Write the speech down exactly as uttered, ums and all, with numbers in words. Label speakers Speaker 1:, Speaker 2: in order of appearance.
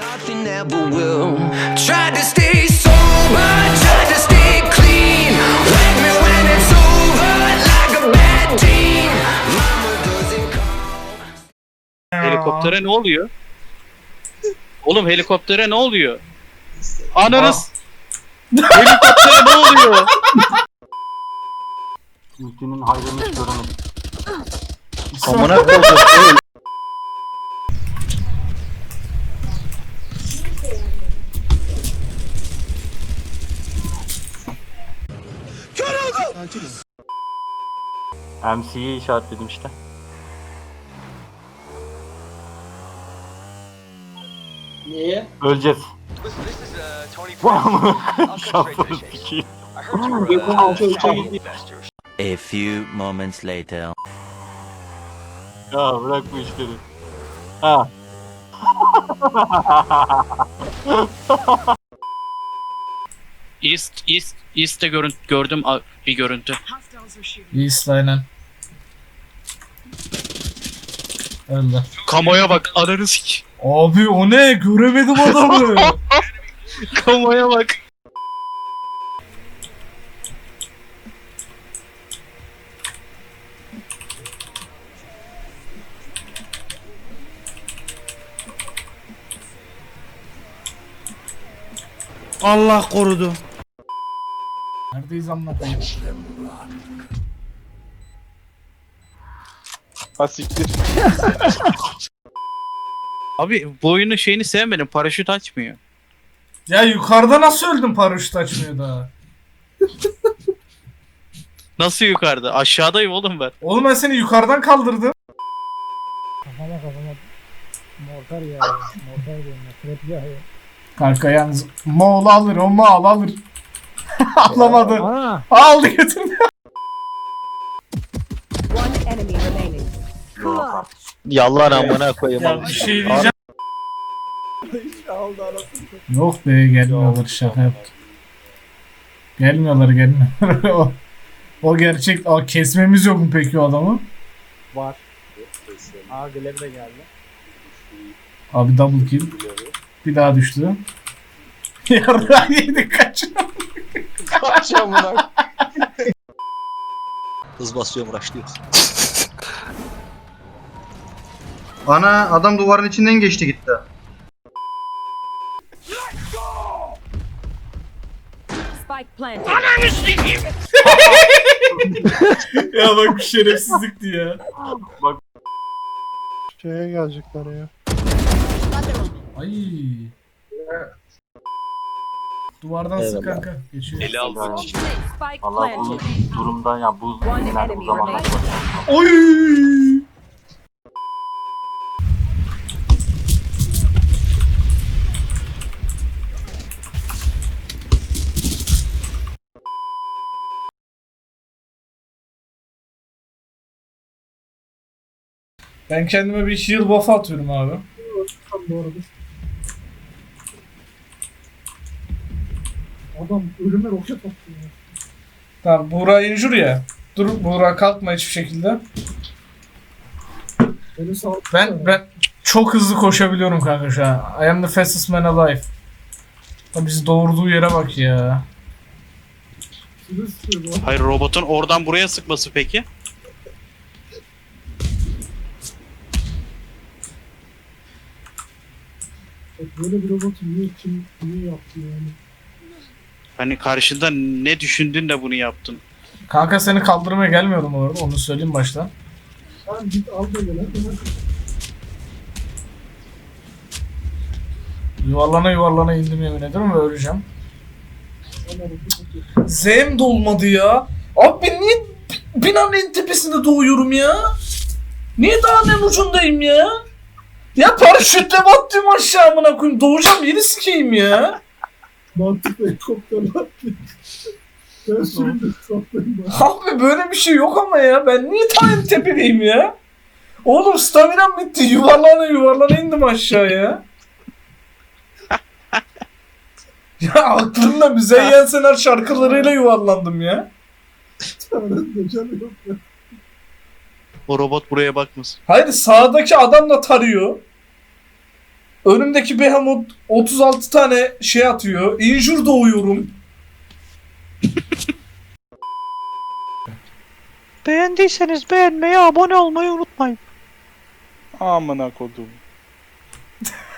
Speaker 1: nothing ever will. Tried to stay sober, tried to stay clean. Wake me when it's over, like a bad dream. Mama doesn't call.
Speaker 2: Helikoptere ne oluyor? Oğlum helikoptere ne oluyor? Ananız! Helikoptere ne oluyor?
Speaker 3: Ülkenin hayrını hiç göremedim.
Speaker 2: Amına koydum.
Speaker 3: M C'yi işaretledim işte.
Speaker 4: Niye?
Speaker 3: Öleceğiz. Şansını sikeyim.
Speaker 5: A few moments later.
Speaker 3: Ya bırak bu işleri. Ha.
Speaker 2: East, East, East'te görün gördüm a- bir görüntü.
Speaker 6: East aynen. Öldü.
Speaker 2: Kamoya bak, ananı sik.
Speaker 6: Abi o ne? Göremedim adamı.
Speaker 2: Kamoya bak.
Speaker 7: Allah korudu.
Speaker 6: Neredeyiz anlatayım.
Speaker 2: Abi bu oyunun şeyini sevmedim, paraşüt açmıyor.
Speaker 6: Ya yukarıda nasıl öldün paraşüt açmıyor daha?
Speaker 2: Nasıl yukarıda? Aşağıdayım oğlum ben.
Speaker 6: Oğlum ben seni yukarıdan kaldırdım.
Speaker 8: Kafama kafama mortar ya. Mortar diyorum ya. Trap ya.
Speaker 6: Kanka yalnız Moğol alır o Moğol alır. Alamadı.
Speaker 8: Aa.
Speaker 6: Aldı götürdü.
Speaker 9: One enemy remaining.
Speaker 2: Yallah amına koyayım.
Speaker 6: Ya bir şey diyeceğim. Yok be gelmiyorlar şaka yaptım. Gelmiyorlar gelmiyorlar. o, o gerçek. Aa, kesmemiz yok mu peki o adamı?
Speaker 8: Var. Aa Gleb de geldi.
Speaker 6: Abi double kill. Bir daha düştü. Yarrağı yedik kaç.
Speaker 4: Kaçacağım buna.
Speaker 7: Hız basıyorum, rushlıyoruz.
Speaker 10: Ana adam duvarın içinden geçti gitti.
Speaker 9: Spike planted.
Speaker 6: Ya bak bir şerefsizlikti ya.
Speaker 8: Şeye gelecekler ya.
Speaker 6: Ay. Duvardan sık kanka. Geçiyor.
Speaker 2: Eli aldı.
Speaker 9: Spike
Speaker 3: Valla bu
Speaker 9: planted.
Speaker 3: durumda ya bu
Speaker 9: One
Speaker 3: genelde bu
Speaker 9: enemy
Speaker 3: zamanlar
Speaker 9: remaining.
Speaker 6: Oy. Ben kendime bir heal buff atıyorum abi.
Speaker 8: Doğrudur. Adam ölüme roket attı ya.
Speaker 6: Tamam Buğra injur ya. Dur Buğra kalkma hiçbir şekilde.
Speaker 8: Beni sağ
Speaker 6: Ben ben çok hızlı koşabiliyorum kanka şu an. I am the fastest man alive. Ya bizi doğurduğu yere bak ya.
Speaker 8: sizi sıkıyor bu.
Speaker 2: Hayır, robotun oradan buraya sıkması peki?
Speaker 8: Böyle bir robotu niye kim niye yaptı yani?
Speaker 2: Hani karşında ne düşündün de bunu yaptın?
Speaker 6: Kanka seni kaldırmaya gelmiyordum orada onu söyleyeyim baştan.
Speaker 8: Sen git al da gel.
Speaker 6: Yuvarlana yuvarlana indim yemin ederim ve öleceğim. Z'm dolmadı ya. Abi ben niye binanın en tepesinde doğuyorum ya? Niye dağın en ucundayım ya? Ya paraşütle battım aşağı amına koyayım. Doğacağım yeri sikeyim ya.
Speaker 8: Mantıklı helikopterle attı. Ben sürekli saplayayım bak.
Speaker 6: Abi böyle bir şey yok ama ya. Ben niye ta en tepedeyim ya? Oğlum staminam bitti. Yuvarlana yuvarlana indim aşağıya. Ya aklımda Müzeyyen Senar şarkılarıyla yuvarlandım ya.
Speaker 8: Tanrı'nın canı yok ya.
Speaker 2: O robot buraya bakmasın.
Speaker 6: Hayır sağdaki adam da tarıyor. Önümdeki Behemoth otuz altı tane şey atıyor. Injure doğuyorum.
Speaker 7: Beğendiyseniz beğenmeyi, abone olmayı unutmayın.
Speaker 2: Amına kodum.